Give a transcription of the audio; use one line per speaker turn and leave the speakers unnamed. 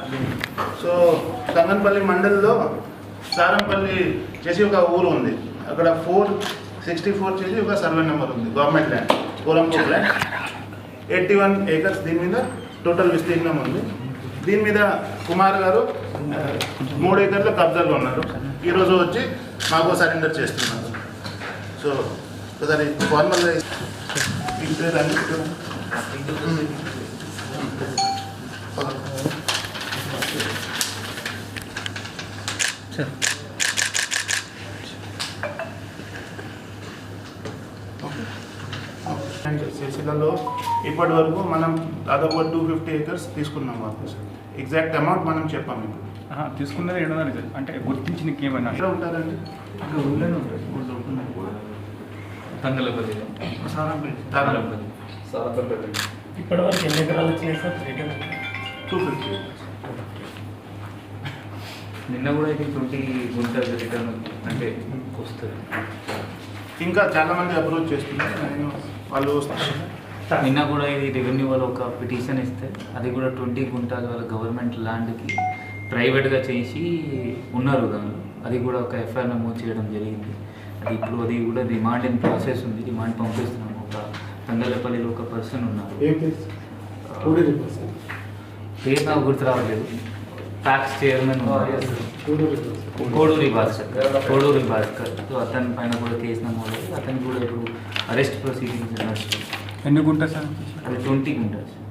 So తంగన్పల్లి మండలిలో సారంపల్లి చేసి ఒక ఊరు ఉంది. అక్కడ 464 చేసి ఒక సర్వే నెంబర్ ఉంది. Government land, Korampur land, 81 acres. దీని మీద టోటల్ విస్తీర్ణం ఉంది. దీని మీద కుమార్ గారు 3 acres కబ్జాలో ఉన్నారు. ఈరోజు వచ్చి మాకు సరెండర్ చేస్తున్నారు. సో ఒకసారి ఫార్మల్గా సిరిసిల్లలో ఇప్పటి వరకు మనం దాదాపు 250 acres తీసుకున్నాం వర్క్. ఎగ్జాక్ట్ అమౌంట్ మనం చెప్పాము. ఇప్పుడు
తీసుకున్నది ఏంటో అంటే గుర్తించి ఏమన్నా
ఎక్కడ ఉంటారండి?
తంగలపల్లి,
ఇప్పటివరకు ఎన్ని ఎకరాలు వచ్చినాయి సార్?
250.
నిన్న కూడా అయితే 20 గుంటలు రిటర్న్ అంటే వస్తుంది.
ఇంకా చాలా మంది అప్రోచ్ చేస్తున్నారు. నేను వాళ్ళు
నిన్న కూడా ఇది రెవెన్యూ వాళ్ళు ఒక పిటిషన్ ఇస్తే అది కూడా 20 గుంటలు వాళ్ళ గవర్నమెంట్ ల్యాండ్కి ప్రైవేట్గా చేసి ఉన్నారు. దానిలో అది కూడా ఒక ఎఫ్ఐఆర్ నమోదు చేయడం జరిగింది. అది ఇప్పుడు అది కూడా రిమాండ్ ఇన్ ప్రాసెస్ ఉంది. రిమాండ్ పంపిస్తున్నాము. ఒక తంగలపల్లిలో ఒక పర్సన్ ఉన్నారు. పేరు నాకు గుర్తు రావట్లేదు. Tax chairman Koduri Bhaskar. So అతని పైన కూడా కేసు నమోదు. అతనికి కూడా ఇప్పుడు అరెస్ట్ ప్రొసీడింగ్స్ నడుస్తుంది.
ఎన్ని గుంటలు సార్?
అది 20 గుంటలు.